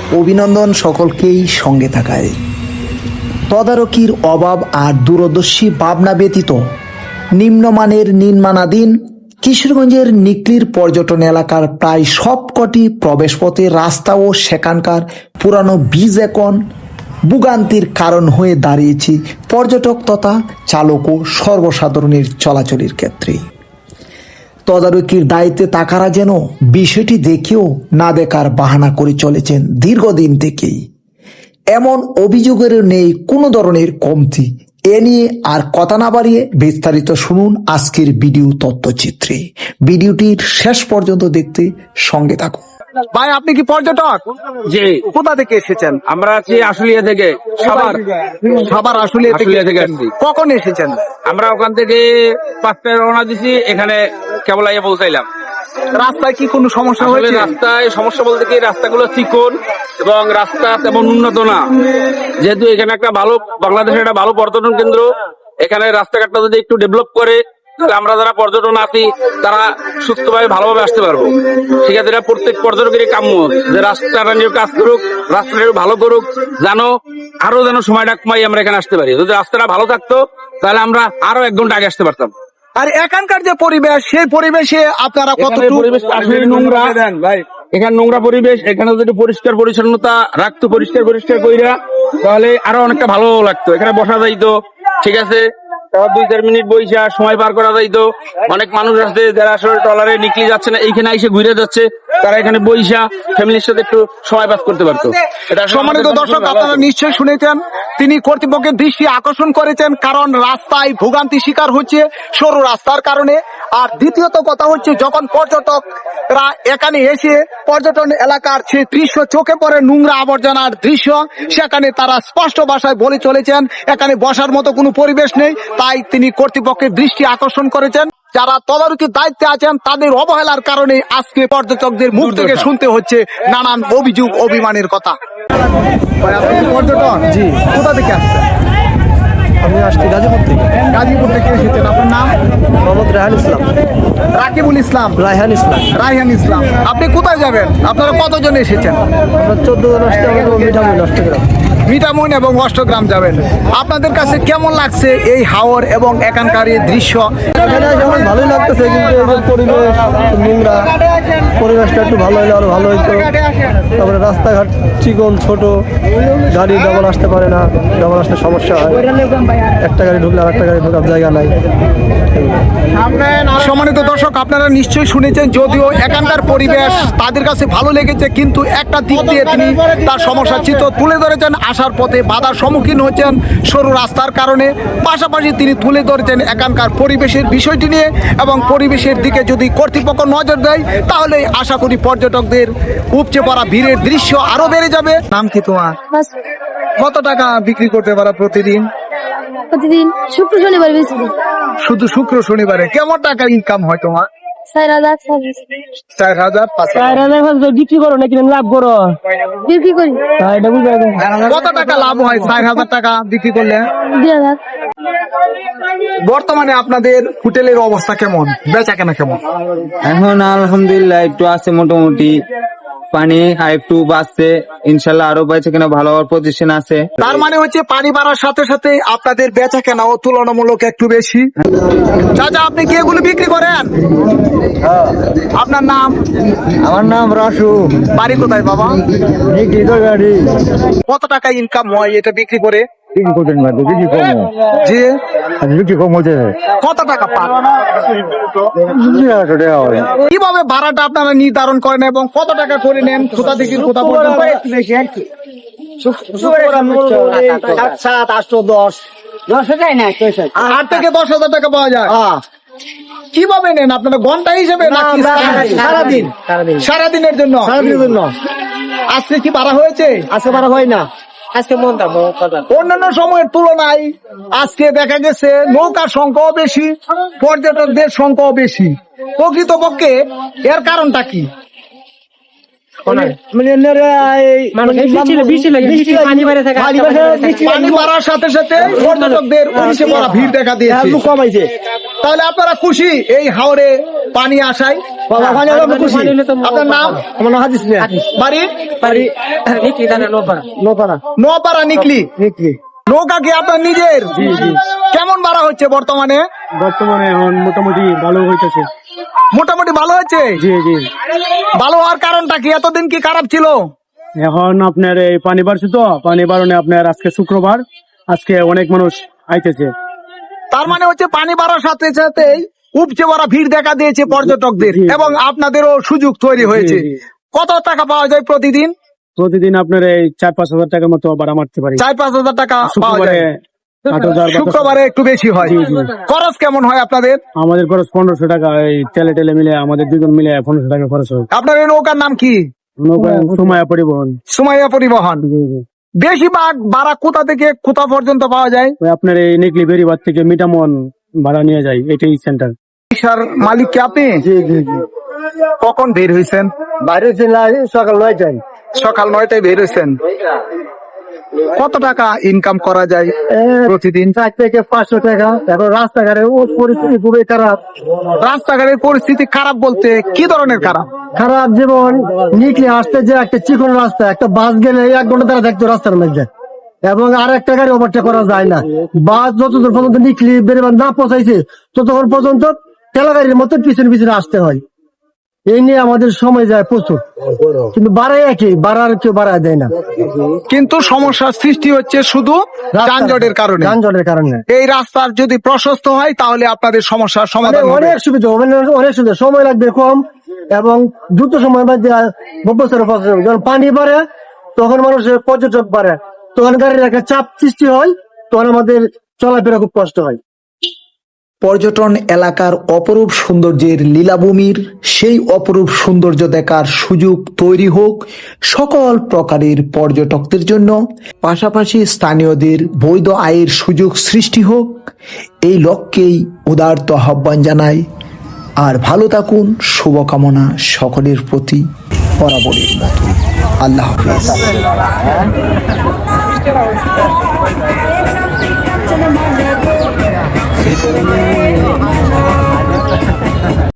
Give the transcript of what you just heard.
অভিনন্দন সকলকেই সঙ্গে থাকায়। তদারকির অভাব আর দূরদর্শী ভাবনা ব্যতীত নিম্নমানের নির্মাণাধীন কিশোরগঞ্জের নিকলির পর্যটন এলাকার প্রায় সবকটি প্রবেশপথে রাস্তা ও সেখানকার পুরানো বীজ এখন ভোগান্তির কারণ হয়ে দাঁড়িয়েছে পর্যটক তথা চালক ও সর্বসাধারণের চলাচলের ক্ষেত্রে। তদারকির দায়িত্বে থাকারা যেন বিষয়টি দেখেও না দেখার বাহানা করে চলেছেন দীর্ঘদিন থেকেই। এমন অভিযোগের নেই কোনো ধরনের কমতি। এ নিয়ে আর কথা না বাড়িয়ে বিস্তারিত শুনুন আজকের ভিডিও তথ্যচিত্রে। ভিডিওটির শেষ পর্যন্ত দেখতে সঙ্গে থাকুন। ভাই, আপনি কি পর্যটক? জি। কোথা থেকে এসেছেন? আমরা আছি আশুলিয়া থেকে, সাভার আশুলিয়া থেকে আসছি। কখন এসেছেন? আমরা ওখান থেকে 5টায় রওনা দিছি, এখানে কেবল আইয়া পৌঁছাইলাম। রাস্তায় কি কোনো সমস্যা আসলে হয়েছে? রাস্তায় সমস্যা বলতে কি, রাস্তাগুলো চিকন এবং রাস্তা তেমন উন্নত না। যেহেতু এখানে একটা ভালো, বাংলাদেশের একটা ভালো পর্যটন কেন্দ্র, এখানে রাস্তাঘাটটা যদি একটু ডেভেলপ করে তাহলে আমরা যারা পর্যটন আছি তারা সুস্থভাবে ভালোভাবে আসতে পারবো। ঠিক আছে, এটা প্রত্যেক পর্যটকেরই কাম্য যে রাস্তাটা নিয়ে কাজ করুক, রাস্তাটা একটু ভালো করুক, আরো যেন সময়টা কমাই আমরা এখানে আসতে পারি। যদি রাস্তাটা ভালো থাকতো তাহলে আমরা আরো 1 ঘন্টা আগে আসতে পারতাম। আর এখানকার যে পরিবেশ, সেই পরিবেশে আপনারা কতটুকু? পরিবেশ আসলে নোংরা ভাই, এখানে নোংরা পরিবেশ। এখানে যদি পরিষ্কার পরিচ্ছন্নতা রাখতো, পরিষ্কার কইরা, তাহলে আরো অনেকটা ভালো লাগতো। এখানে বসা যাইতো, ঠিক আছে, 2-4 মিনিট বইসা সময় পার করা যাইতো। অনেক মানুষ আছে যারা আসলে ট্রলারে নিকলি যাচ্ছে না, এইখানে এসে ঘুরে যাচ্ছে, তারা এখানে বইসা ফ্যামিলির সাথে একটু সময় পাস করতে পারতো। সম্মানিত দর্শক, আপনারা নিশ্চয়ই শুনেছেন, তিনি কর্তৃপক্ষের দৃষ্টি আকর্ষণ করেছেন, কারণ রাস্তায় ভোগান্তি শিকার হচ্ছে সরু রাস্তার কারণে। আর দ্বিতীয়ত কথা হচ্ছে, যখন পর্যটকরা এখানে এসে পর্যটন এলাকার যে দৃশ্য চোখে পড়ে, নোংরা আবর্জনার দৃশ্য, সেখানে তারা স্পষ্ট ভাষায় বলে চলেছেন এখানে বসার মতো কোনো পরিবেশ নেই। তাই তিনি কর্তৃপক্ষের দৃষ্টি আকর্ষণ করেছেন, যারা তদারকির দায়িত্বে আছেন তাদের অবহেলার কারণে আজকে পর্যটকদের মুখ থেকে শুনতে হচ্ছে নানান অভিযোগ অভিমানের কথা। পর্যটন? জি। কোথা থেকে আসছেন? আমি আসছি গাজীপুর থেকে। গাজীপুর থেকে এসেছেন। আপনার নাম? মোহাম্মদ রায়হান ইসলাম। রাকিবুল ইসলাম। রায়হান ইসলাম। রায়হান ইসলাম। আপনি কোথায় যাবেন? আপনারা কতজন এসেছেন? আমরা 14 জন আসছি, আমাদের মিঠামুই অষ্টগ্রাম। মিঠামইন এবং অষ্টগ্রাম যাবেন। আপনাদের কাছে কেমন লাগছে এই হাওর এবং এখানকার এই দৃশ্য? এখানে এসে আমার ভালোই লাগতেছে, কিন্তু এই যে পরিবেশ নোংরা, পরিবেশটা একটু ভালো হলে আরো ভালো হইতো। তারপরে রাস্তাঘাট চিকন, ছোট, গাড়ি ডবল আসতে পারে না, ডবল আসতে সমস্যা হয়। একটা গাড়ি ঢুকলে আর একটা গাড়ি ঢোকার জায়গা নাই। সম্মানিত দর্শক, আপনারা নিশ্চয়ই শুনেছেন, যদিও এখানকার পরিবেশ তাদের কাছে ভালো লেগেছে, কিন্তু একটা দিক দিয়ে তিনি তার সমস্যার চিত্র তুলে ধরেছেন। আসার পথে বাধার সম্মুখীন হচ্ছেন সরু রাস্তার কারণে। পাশাপাশি তিনি তুলে ধরেছেন এখানকার পরিবেশের বিষয়টি নিয়ে, এবং পরিবেশের দিকে যদি কর্তৃপক্ষ নজর দেয় তাহলে আশা করি পর্যটকদের উপচে পড়া ভিড়ের দৃশ্য আরো বেড়ে যাবে। নাম কি তোমার? কত টাকা বিক্রি করতে পারো প্রতিদিন? প্রতিদিন শুক্র শনিবার বেশি। শুধু শুক্র শনিবারে কেমন টাকা ইনকাম হয় তোমার? 4,000 4,000 5,000 বিক্রি করো নাকি লাভ করো? বিক্রি করি। কত টাকা লাভ হয় 4,000 টাকা বিক্রি করলে? 2,000। বর্তমানে আপনাদের হোটেলের অবস্থা কেমন, বেচা কেনা কেমন? এখন আলহামদুলিল্লাহ একটু আছে, মোটামুটি পানি আর একটু বাড়ছে, ইনশাল্লাহ আরো বেচা কেনা ভালো হওয়ার পজিশন আছে। তার মানে হচ্ছে পানি বাড়ার সাথে সাথে আপনাদের বেচা কেনাও তুলনামূলক একটু বেশি। চাচা, আপনি কি এগুলো বিক্রি করেন? আপনার নাম? আমার নাম রাসু। বাড়ি কোথায় বাবা? গাড়ি কত টাকা ইনকাম হয় এটা বিক্রি করে? বিক্রি করতেন, বিক্রি কম, জি। বিক্রি কম হচ্ছে। কত টাকা পান? কিভাবে ভাড়াটা আপনারা নির্ধারণ করেন এবং কত টাকা করে নেন? কোথা থেকে কোথা পর্যন্ত? 7, 8, 10 8 থেকে 10,000 টাকা পাওয়া যায়। কিভাবে নেন আপনারা? ঘন্টা হিসেবে নাকি সারাদিন? সারাদিনের জন্য? আজকে কি ভাড়া হয়েছে? আজকে বারা হয় না, আজকে মন অন্যান্য সময়ের তুলনায় আজকে দেখা গেছে নৌকার সংখ্যাও বেশি, পর্যটকদের সংখ্যাও বেশি। প্রকৃতপক্ষে এর কারণটা কি? পানি বাড়ার সাথে সাথে পর্যটকদের উনিশে পড়া ভিড় দেখা দিয়েছে। তাহলে আপনারা খুশি এই হাওরে পানি আসায়? আপনার নাম? বাড়ি নোপাড়া নিকলি। নৌকা কি আপনার নিজের? কেমন ভাড়া হচ্ছে বর্তমানে? বর্তমানে এখন মোটামুটি ভালো হইতেছে। মোটামুটি ভালো হচ্ছে। ভালো হওয়ার কারণটা কি? এতদিন কি খারাপ ছিল? এখন আপনার এই পানি বাড়ছে তো, পানি বাড়নে আপনার আজকে শুক্রবার, আজকে অনেক মানুষ আইতেছে। তার মানে হচ্ছে পানি বাড়ার সাথে সাথে উপচে পড়া ভিড় দেখা দিয়েছে পর্যটকদের, এবং আপনাদেরও সুযোগ তৈরি হয়েছে। কত টাকা পাওয়া যায় প্রতিদিন? প্রতিদিন আপনার এই 4-5 হাজার টাকার মতো ভাড়া মারতে পারি। 4-5 হাজার টাকা পাওয়া শুক্রবারে যায়। 8,000 শুক্রবারে একটু বেশি হয়। খরচ কেমন হয় আপনাদের? আমাদের খরচ 1500 টাকা, এই তেলে মিলে আমাদের দুজন মিলে 1500 টাকা খরচ হয়। আপনার এই নৌকার নাম কি? নৌকা সুমাইয়া পরিবহন। সুমাইয়া পরিবহন। বেশিরভাগ ভাড়া কোথা থেকে কোথা পর্যন্ত পাওয়া যায়? ওই আপনার এই নেকলি বেরিবাদ থেকে মিটামন ভাড়া নিয়ে যায়, এটাই সেন্টার। রিকশার মালিক কি আপনি? কখন বের হয়েছেন? বাইরে সকাল 9টায়। সকাল 9টায় বের হয়েছেন। কত টাকা ইনকাম করা যায় প্রতিদিন? 4 থেকে 500 টাকা। এখন রাস্তাঘাটের পরিস্থিতি খুবই খারাপ। রাস্তাঘাটের পরিস্থিতি খারাপ বলতে কি ধরনের খারাপ? খারাপ যেমন নিকলি আসতে যে একটা চিকন রাস্তা, একটা বাস গেলে 1 ঘন্টা তারা দেখতো রাস্তার মধ্যে, এবং আর একটা গাড়ি ওভারটেক করা যায় না। বাস যতদূর পর্যন্ত নিকলি বেরিবাদ না পৌঁছাইছে ততক্ষণ পর্যন্ত ঠেলা গাড়ির মতো পিছনে আসতে হয়। এই নিয়ে আমাদের সময় যায় প্রচুর, কিন্তু বাড়ায় একই, বাড়ার কেউ বাড়ায় দেয় না। কিন্তু সমস্যার সৃষ্টি হচ্ছে শুধু যানজটের কারণে। যানজটের কারণে এই রাস্তার যদি প্রশস্ত হয় তাহলে আপনাদের সমস্যার সমাধান হবে। অনেক সুবিধা, অনেক সুবিধা, সময় লাগবে কম এবং দ্রুত সময় মধ্যে যখন পানি বাড়ে তখন মানুষের পর্যটক বাড়ে, তখন গাড়ির একটা চাপ সৃষ্টি হয়, তখন আমাদের চলাফেরা খুব কষ্ট হয়। পর্যটন এলাকার অপরূপ সৌন্দর্যের লীলাভূমির সেই অপরূপ সৌন্দর্য দেখার সুযোগ তৈরি হোক সকল প্রকারের পর্যটকদের জন্য, পাশাপাশি স্থানীয়দের বৈধ আয়ের সুযোগ সৃষ্টি হোক, এই লক্ষ্যেই উদারত আহ্বান জানাই। আর ভালো থাকুন, শুভকামনা সকলের প্রতি বরাবরের মতো। আল্লাহ হাফেজ।